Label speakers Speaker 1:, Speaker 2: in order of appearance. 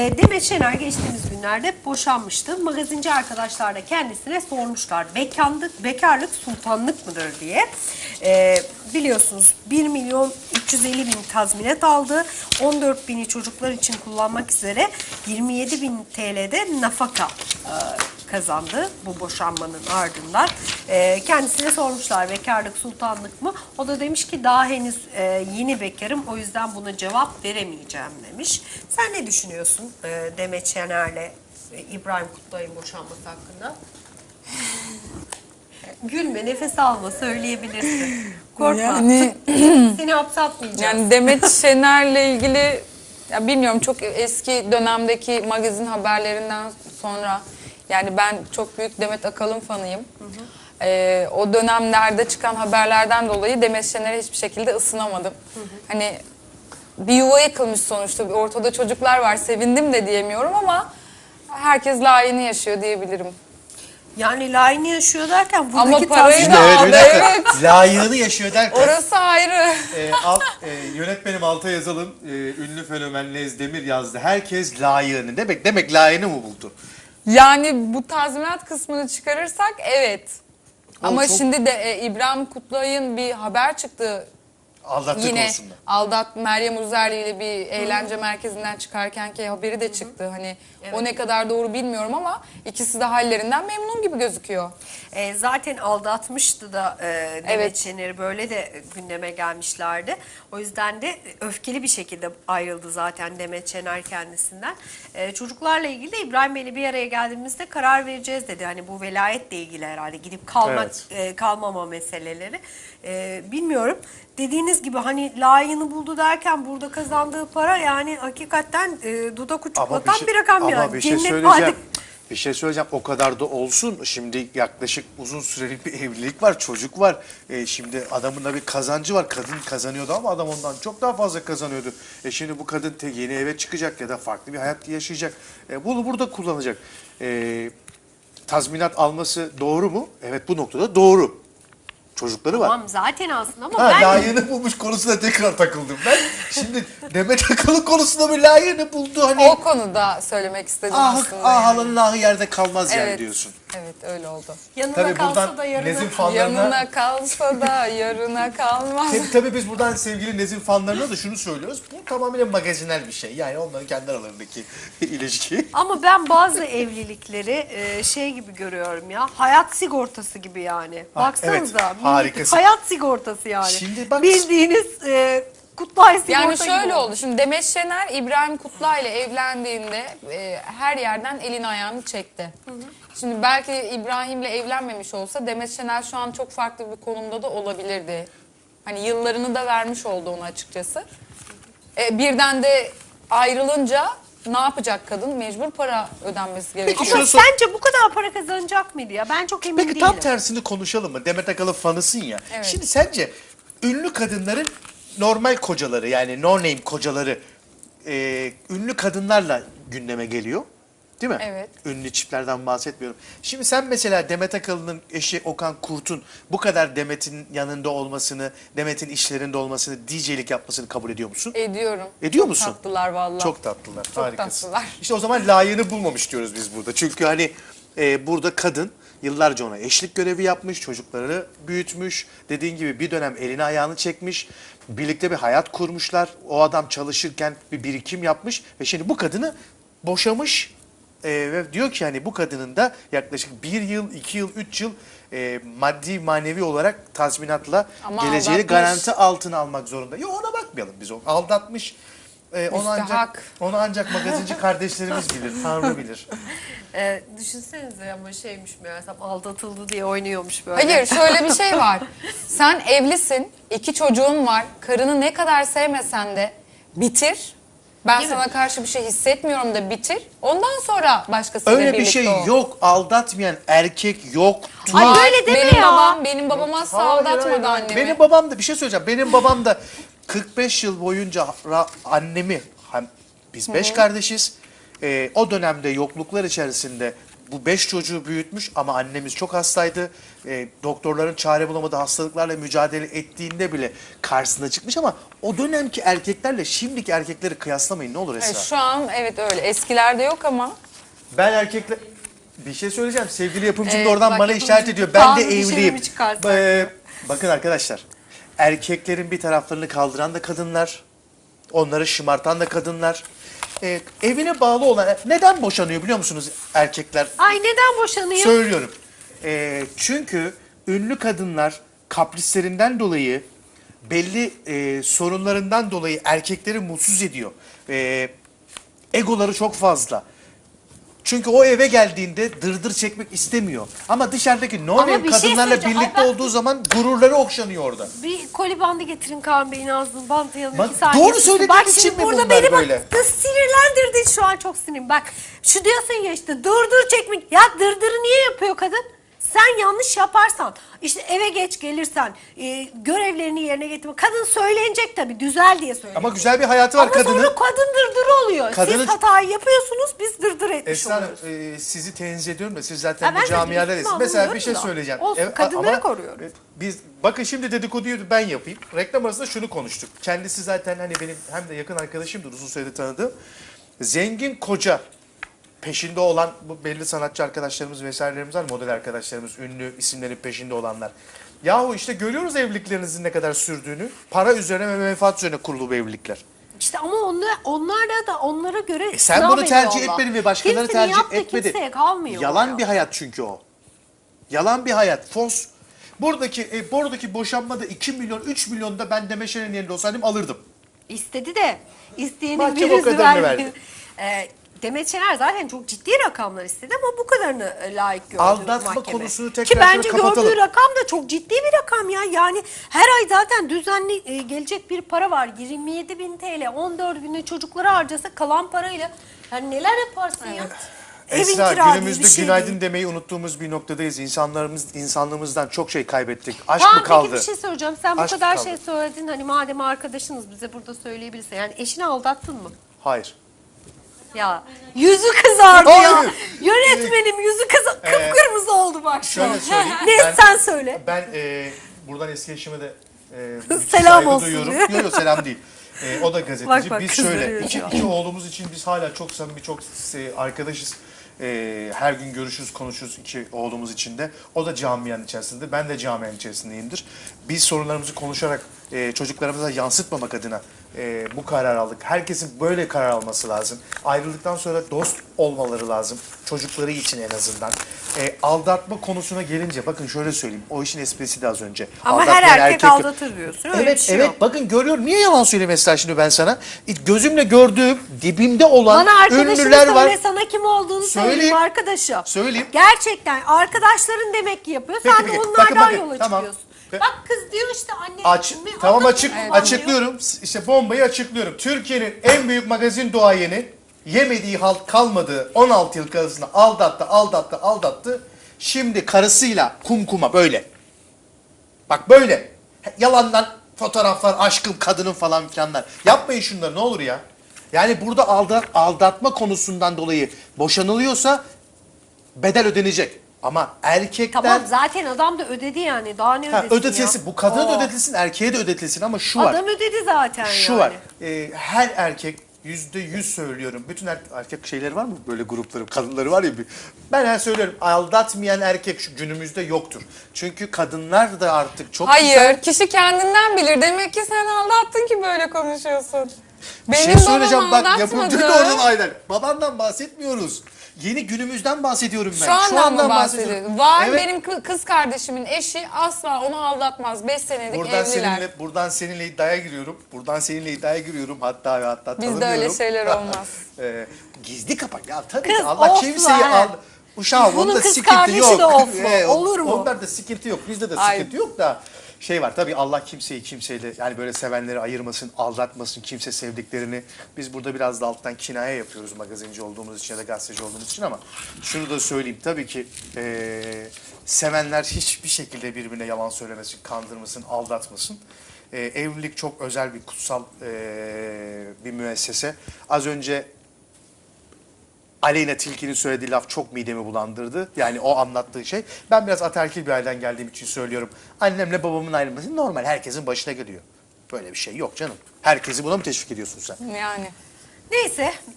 Speaker 1: Demet Şener geçtiğimiz günlerde boşanmıştı. Magazinci arkadaşlar da kendisine sormuşlar. Bekarlık sultanlık mıdır diye. Biliyorsunuz 1.350.000 tazminat aldı. 14.000'i çocuklar için kullanmak üzere 27.000 TL'de nafaka kazandı bu boşanmanın ardından. Kendisine sormuşlar bekarlık sultanlık mı? O da demiş ki daha henüz yeni bekarım, o yüzden buna cevap veremeyeceğim demiş. Sen ne düşünüyorsun Demet Şener'le İbrahim Kutluay'ın boşanması hakkında? Gülme, nefes alma, söyleyebilirsin. Korkma.
Speaker 2: Yani
Speaker 1: Seni hapse atmayacağız.
Speaker 2: Yani Demet Şener'le ilgili ya bilmiyorum, çok eski dönemdeki magazin haberlerinden sonra yani ben çok büyük Demet Akalın fanıyım. O dönemlerde çıkan haberlerden dolayı Demet Şener'e hiçbir şekilde ısınamadım. Hani bir yuva yıkılmış sonuçta, ortada çocuklar var, sevindim de diyemiyorum ama herkes layığını yaşıyor diyebilirim.
Speaker 1: Yani layığını yaşıyor derken buradaki
Speaker 2: Ama parayı
Speaker 1: tazminat...
Speaker 2: da
Speaker 3: Evet, bir
Speaker 2: aldı,
Speaker 3: dakika.
Speaker 2: evet.
Speaker 3: Layığını yaşıyor derken.
Speaker 2: Orası ayrı.
Speaker 3: Yönetmenim Altay Yazalım, ünlü fenomen Lez Demir yazdı. Herkes layığını. Demek layığını mı buldu?
Speaker 2: Yani bu tazminat kısmını çıkarırsak evet. Ama
Speaker 3: çok-
Speaker 2: şimdi de İbrahim Kutluay'ın bir haber çıktı.
Speaker 3: Aldattığı
Speaker 2: Yine
Speaker 3: konusunda.
Speaker 2: Meryem Uzerli ile bir eğlence merkezinden çıkarkenki haberi de çıktı. Hani o ne kadar doğru bilmiyorum ama ikisi de hallerinden memnun gibi gözüküyor.
Speaker 1: Zaten aldatmıştı da Demet
Speaker 2: Evet.
Speaker 1: Şener'i, böyle de gündeme gelmişlerdi. O yüzden de öfkeli bir şekilde ayrıldı zaten Demet Şener kendisinden. Çocuklarla ilgili de İbrahim Bey'le bir araya geldiğimizde karar vereceğiz dedi. Hani bu velayetle ilgili herhalde gidip kalmak, kalmama meseleleri. Bilmiyorum. Dediğiniz gibi hani layığını buldu derken burada kazandığı para yani hakikaten dudak uçuklatan bir rakam yani.
Speaker 3: Ama bir şey
Speaker 1: Cennet
Speaker 3: söyleyeceğim.
Speaker 1: vaadi.
Speaker 3: Bir şey söyleyeceğim. O kadar da olsun. Şimdi yaklaşık uzun süreli bir evlilik var. Çocuk var. Şimdi adamın da bir kazancı var. Kadın kazanıyordu ama adam ondan çok daha fazla kazanıyordu. Şimdi bu kadın yeni eve çıkacak ya da farklı bir hayat yaşayacak. Bunu burada kullanacak. Tazminat alması doğru mu? Evet, bu noktada doğru. Çocukları var.
Speaker 1: Tamam zaten aslında ama
Speaker 3: Ha,
Speaker 1: ben
Speaker 3: layığını bulmuş konusuna tekrar takıldım ben. Şimdi Demet Akalın konusunda bir layığını buldu. Hani
Speaker 2: O konuda söylemek istedim aslında.
Speaker 3: halının ahı yerde kalmaz yani
Speaker 2: Evet.
Speaker 3: diyorsun.
Speaker 2: Evet, öyle oldu.
Speaker 1: yanına
Speaker 3: Tabii
Speaker 1: kalsa
Speaker 3: buradan
Speaker 1: da yarına...
Speaker 3: Nezin fanlarına...
Speaker 2: Yanına kalsa da yarına kalmaz.
Speaker 3: Tabii biz buradan sevgili Nezin fanlarına da şunu söylüyoruz. Bu tamamen magazinel bir şey. Yani onların kendi aralarındaki ilişki.
Speaker 1: Ama ben bazı evlilikleri şey gibi görüyorum ya. Hayat sigortası gibi yani. Baksanıza.
Speaker 3: evet, harikasın.
Speaker 1: Hayat sigortası yani.
Speaker 3: Şimdi bak-
Speaker 1: Bildiğiniz Kutlay sigorta
Speaker 2: Yani
Speaker 1: gibi
Speaker 2: şöyle
Speaker 1: oldu.
Speaker 2: oldu. Şimdi Demet Şener İbrahim Kutlay ile evlendiğinde her yerden elini ayağını çekti. Şimdi belki İbrahim'le evlenmemiş olsa Demet Şener şu an çok farklı bir konumda da olabilirdi. Hani yıllarını da vermiş oldu ona açıkçası. Birden de ayrılınca ne yapacak kadın? Mecbur para ödenmesi gerekiyor.
Speaker 3: şunu
Speaker 1: Ama
Speaker 3: sor-
Speaker 1: sence bu kadar para kazanacak mıydı ya? Ben çok emin
Speaker 3: Peki
Speaker 1: değilim.
Speaker 3: tam tersini konuşalım mı? Demet Akalın fanısın ya.
Speaker 2: Evet.
Speaker 3: Şimdi sence ünlü kadınların normal kocaları, yani no name kocaları ünlü kadınlarla gündeme geliyor. Değil mi?
Speaker 2: Evet.
Speaker 3: Ünlü çiftlerden bahsetmiyorum. Şimdi sen mesela Demet Akalın'ın eşi Okan Kurt'un bu kadar Demet'in yanında olmasını, Demet'in işlerinde olmasını, DJ'lik yapmasını kabul ediyor musun?
Speaker 2: Ediyorum.
Speaker 3: Ediyor
Speaker 2: Çok
Speaker 3: musun?
Speaker 2: tatlılar vallahi.
Speaker 3: Çok tatlılar.
Speaker 2: Çok
Speaker 3: Harikasın.
Speaker 2: tatlılar.
Speaker 3: İşte o zaman layığını bulmamış diyoruz biz burada. Çünkü hani burada kadın yıllarca ona eşlik görevi yapmış, çocukları büyütmüş. Dediğin gibi bir dönem elini ayağını çekmiş. Birlikte bir hayat kurmuşlar. O adam çalışırken bir birikim yapmış ve şimdi bu kadını boşamış. Ve diyor ki hani bu kadının da yaklaşık 1 yıl, 2 yıl, 3 yıl maddi manevi olarak tazminatla
Speaker 2: Ama
Speaker 3: geleceğini
Speaker 2: aldatmış.
Speaker 3: garanti altına almak zorunda. Yok, ona bakmayalım biz, o aldatmış.
Speaker 2: Müstehak.
Speaker 3: Onu ancak magazinci kardeşlerimiz bilir, Tanrı bilir.
Speaker 1: Düşünsenize ama şeymiş meğersem aldatıldı diye oynuyormuş böyle.
Speaker 2: Hayır, şöyle bir şey var. Sen evlisin, 2 çocuğun var. Karını ne kadar sevmesen de bitir. Ben
Speaker 1: Değil mi?
Speaker 2: sana karşı bir şey hissetmiyorum da bitir. Ondan sonra başkasıyla
Speaker 3: Öyle bir
Speaker 2: birlikte
Speaker 3: şey
Speaker 2: ol.
Speaker 3: yok, aldatmayan erkek yoktur.
Speaker 1: Ay
Speaker 2: Var.
Speaker 1: böyle deme
Speaker 2: benim
Speaker 1: ya.
Speaker 2: Benim babam asla
Speaker 3: Hayır,
Speaker 2: aldatmadı
Speaker 3: hayır, hayır.
Speaker 2: annemi.
Speaker 3: Benim babam da bir şey söyleyeceğim. Benim babam da 45 yıl boyunca annemi, biz 5 kardeşiz. O dönemde yokluklar içerisinde bu 5 çocuğu büyütmüş ama annemiz çok hastaydı. Doktorların çare bulamadığı hastalıklarla mücadele ettiğinde bile karşısına çıkmış ama o dönemki erkeklerle şimdiki erkekleri kıyaslamayın ne olur Esra.
Speaker 2: Evet, şu an evet öyle. Eskilerde yok ama.
Speaker 3: Ben erkekler... Bir şey söyleyeceğim. Sevgili yapımcım da
Speaker 1: Evet,
Speaker 3: oradan
Speaker 1: bak
Speaker 3: bana
Speaker 1: yapımcım
Speaker 3: işaret ediyor. Ben de
Speaker 1: kanunu dışarı
Speaker 3: evliyim.
Speaker 1: mı çıkarsak?
Speaker 3: Bakın arkadaşlar. Erkeklerin bir taraflarını kaldıran da kadınlar. Onları şımartan da kadınlar. Evine bağlı olan... Neden boşanıyor biliyor musunuz erkekler?
Speaker 1: Ay neden boşanıyor?
Speaker 3: Söylüyorum. Çünkü ünlü kadınlar kaprislerinden dolayı belli sorunlarından dolayı erkekleri mutsuz ediyor. Egoları çok fazla. Çünkü o eve geldiğinde dırdır çekmek istemiyor. Ama dışarıdaki no
Speaker 1: Ama
Speaker 3: name
Speaker 1: bir şey
Speaker 3: kadınlarla
Speaker 1: söyleyeceğim.
Speaker 3: birlikte
Speaker 1: Ay ben-
Speaker 3: olduğu zaman gururları okşanıyor orada.
Speaker 1: Bir koli bandı getirin Kaan Bey'in ağzını bantlayalım.
Speaker 3: Bak,
Speaker 1: 2 saniye.
Speaker 3: doğru söylediğin
Speaker 1: Bak
Speaker 3: için
Speaker 1: şimdi
Speaker 3: mi
Speaker 1: burada
Speaker 3: bunlar
Speaker 1: beni
Speaker 3: böyle?
Speaker 1: bak sinirlendirdin şu an çok sinirim. Bak şu diyorsun ya işte dırdır çekmek. Ya dırdırı niye yapıyor kadın? Sen yanlış yaparsan, işte eve geç gelirsen, görevlerini yerine getirme. Kadın söylenecek tabii, düzel diye söyleyecek.
Speaker 3: Ama güzel bir hayatı var
Speaker 1: Ama
Speaker 3: kadının.
Speaker 1: sonra kadın dırdır oluyor.
Speaker 3: Kadının-
Speaker 1: Siz hatayı yapıyorsunuz, biz dırdır etmiş
Speaker 3: Esra Hanım,
Speaker 1: oluyoruz.
Speaker 3: sizi tenzih ediyorum da siz zaten
Speaker 1: Ha, ben
Speaker 3: bu
Speaker 1: de
Speaker 3: camiadadasınız.
Speaker 1: üstüme
Speaker 3: Mesela bir
Speaker 1: alınıyorum
Speaker 3: şey
Speaker 1: da.
Speaker 3: söyleyeceğim.
Speaker 1: Olsun, kadınları
Speaker 3: ama
Speaker 1: koruyorum.
Speaker 3: Biz bakın şimdi dedikoduyu ben yapayım. Reklam arasında şunu konuştuk. Kendisi zaten hani benim hem de yakın arkadaşımdır uzun süredir tanıdığım. Zengin koca peşinde olan bu belli sanatçı arkadaşlarımız vesairelerimiz var. Model arkadaşlarımız, ünlü isimlerin peşinde olanlar. Yahu işte görüyoruz evliliklerinizin ne kadar sürdüğünü. Para üzerine ve menfaat üzerine kurulu bu evlilikler.
Speaker 1: İşte ama onlara da onlara göre
Speaker 3: Sen
Speaker 1: sınav
Speaker 3: bunu tercih
Speaker 1: veriyorlar.
Speaker 3: etmedin ve başkaları
Speaker 1: Kimsenin
Speaker 3: tercih
Speaker 1: yaptığı
Speaker 3: etmedi.
Speaker 1: kimseye kalmıyor.
Speaker 3: Yalan
Speaker 1: ya.
Speaker 3: bir hayat çünkü o. Yalan bir hayat. Fos. Buradaki boşanmada 2 milyon, 3 milyon da ben Demet yerinde olsaydım alırdım.
Speaker 1: İstedi de isteyenin
Speaker 3: Mahkeme o
Speaker 1: birisi
Speaker 3: kadarını
Speaker 1: verdi.
Speaker 3: verdi.
Speaker 1: Demet Şener zaten çok ciddi rakamlar istedi ama bu kadarını layık gördü
Speaker 3: Aldatma
Speaker 1: mahkeme.
Speaker 3: konusunu tekrar
Speaker 1: Ki
Speaker 3: şöyle
Speaker 1: bence
Speaker 3: kapatalım.
Speaker 1: gördüğü rakam da çok ciddi bir rakam ya. Yani her ay zaten düzenli gelecek bir para var. 27.000 TL 14 günde çocuklara harcasa kalan parayla yani neler yaparsın ya. Evin
Speaker 3: Esra
Speaker 1: kira diye
Speaker 3: günümüzde
Speaker 1: bir şey
Speaker 3: günaydın
Speaker 1: değil.
Speaker 3: demeyi unuttuğumuz bir noktadayız. İnsanlığımızdan çok şey kaybettik. Aşk
Speaker 1: Tamam
Speaker 3: mı kaldı?
Speaker 1: peki bir şey soracağım. Sen bu
Speaker 3: Aşk
Speaker 1: kadar
Speaker 3: kaldı.
Speaker 1: şey söyledin. Hani madem arkadaşınız bize burada söyleyebilirsin. Yani eşini aldattın mı?
Speaker 3: Hayır.
Speaker 1: Ya yüzü kızardı ya.
Speaker 3: Hayır.
Speaker 1: Yönetmenim yüzü kıpkırmızı oldu bak şu an.
Speaker 3: Şöyle söyleyeyim.
Speaker 1: Ne sen söyle.
Speaker 3: Ben buradan eski eşime de müthiş
Speaker 1: Selam
Speaker 3: saygı
Speaker 1: olsun
Speaker 3: duyuyorum.
Speaker 1: diyor.
Speaker 3: Yok selam değil. O da gazeteci.
Speaker 1: Bak, bak,
Speaker 3: biz
Speaker 1: kızdırıyor
Speaker 3: şöyle
Speaker 1: şu an.
Speaker 3: iki oğlumuz için biz hala çok samimi çok arkadaşız. Her gün görüşürüz konuşuruz iki oğlumuz için de. O da camianın içerisinde. Ben de camianın içerisindeyimdir. Biz sorunlarımızı konuşarak çocuklarımıza yansıtmamak adına bu karar aldık. Herkesin böyle karar alması lazım. Ayrıldıktan sonra dost olmaları lazım. Çocukları için en azından. Aldatma konusuna gelince bakın şöyle söyleyeyim. O işin esprisi de az önce.
Speaker 1: Ama her
Speaker 3: Aldatmayan
Speaker 1: erkek
Speaker 3: yok.
Speaker 1: aldatır diyorsun. Öyle bir
Speaker 3: Evet
Speaker 1: şey
Speaker 3: evet
Speaker 1: yok.
Speaker 3: bakın görüyorum. Niye yalan söyleyeyim Esra şimdi ben sana? Gözümle gördüğüm dibimde olan
Speaker 1: Bana arkadaşını
Speaker 3: ünlüler
Speaker 1: söyle,
Speaker 3: var.
Speaker 1: sana kim olduğunu söyleyeyim
Speaker 3: Söyleyeyim.
Speaker 1: arkadaşım.
Speaker 3: Söyleyeyim.
Speaker 1: Gerçekten arkadaşların demek ki yapıyor.
Speaker 3: Peki,
Speaker 1: Sen de
Speaker 3: peki.
Speaker 1: onlardan
Speaker 3: Bakın,
Speaker 1: yola
Speaker 3: tamam.
Speaker 1: çıkıyorsun.
Speaker 3: Ve-
Speaker 1: Bak kız diyor işte anne.
Speaker 3: Tamam
Speaker 1: anlatıyor.
Speaker 3: açıklıyorum. İşte bombayı açıklıyorum. Türkiye'nin en büyük magazin duayeni yemediği halt kalmadığı 16 yıl karısını aldattı. Şimdi karısıyla kumkuma böyle. Bak böyle. Yalandan fotoğraflar, aşkım, kadının falan filanlar. Yapmayın şunları ne olur ya. Yani burada aldatma konusundan dolayı boşanılıyorsa bedel ödenecek. Ama erkekler...
Speaker 1: Tamam zaten adam da ödedi yani. Daha ne ödesin
Speaker 3: ödetilsin.
Speaker 1: ya?
Speaker 3: Bu kadına da
Speaker 1: Oo.
Speaker 3: ödetilsin, erkeğe de ödetilsin ama şu var.
Speaker 1: Adam ödedi zaten
Speaker 3: Şu
Speaker 1: yani.
Speaker 3: var. Her erkek %100 söylüyorum. Bütün erkek şeyleri var mı böyle grupları, kadınları var ya. Ben söylüyorum. Aldatmayan erkek şu günümüzde yoktur. Çünkü kadınlar da artık çok
Speaker 2: Hayır,
Speaker 3: güzel.
Speaker 2: kişi kendinden bilir. Demek ki sen aldattın ki böyle konuşuyorsun.
Speaker 3: Bir şey
Speaker 2: Benim
Speaker 3: söyleyeceğim
Speaker 2: babam
Speaker 3: bak yapımcı da
Speaker 2: aldatmadı.
Speaker 3: oradan aynen. Babandan bahsetmiyoruz. Yeni günümüzden bahsediyorum ben.
Speaker 2: Şu andan mı
Speaker 3: bahsediyorum.
Speaker 2: bahsediyorsun? Var
Speaker 3: Evet.
Speaker 2: benim kız kardeşimin eşi asla onu aldatmaz. 5 senelik evliler.
Speaker 3: Buradan seninle iddiaya giriyorum. Hatta ve hatta
Speaker 2: Bizde
Speaker 3: tanımıyorum.
Speaker 2: öyle şeyler olmaz.
Speaker 3: Gizli kapak. Ya tabii
Speaker 1: Kız,
Speaker 3: ki Allah
Speaker 1: of
Speaker 3: kimseyi
Speaker 1: lan.
Speaker 3: Uşağım
Speaker 1: Bunun
Speaker 3: onda
Speaker 1: kız
Speaker 3: sıkıntı
Speaker 1: kardeşi
Speaker 3: yok.
Speaker 1: de of mu? Olur mu?
Speaker 3: Onlarda sıkıntı yok. Bizde de
Speaker 2: Ay.
Speaker 3: sıkıntı yok da şey var tabii Allah kimseyi kimseyle yani böyle sevenleri ayırmasın, aldatmasın, kimse sevdiklerini. Biz burada biraz da alttan kinaye yapıyoruz magazinci olduğumuz için ya da gazeteci olduğumuz için ama şunu da söyleyeyim tabii ki sevenler hiçbir şekilde birbirine yalan söylemesin, kandırmasın, aldatmasın. Evlilik çok özel bir kutsal bir müessese. Az önce Aleyna Tilki'nin söylediği laf çok midemi bulandırdı. Yani o anlattığı şey. Ben biraz ataerkil bir aileden geldiğim için söylüyorum. Annemle babamın ayrılması normal. Herkesin başına geliyor. Böyle bir şey yok canım. Herkesi buna mı teşvik ediyorsun sen?
Speaker 2: Yani.
Speaker 1: Neyse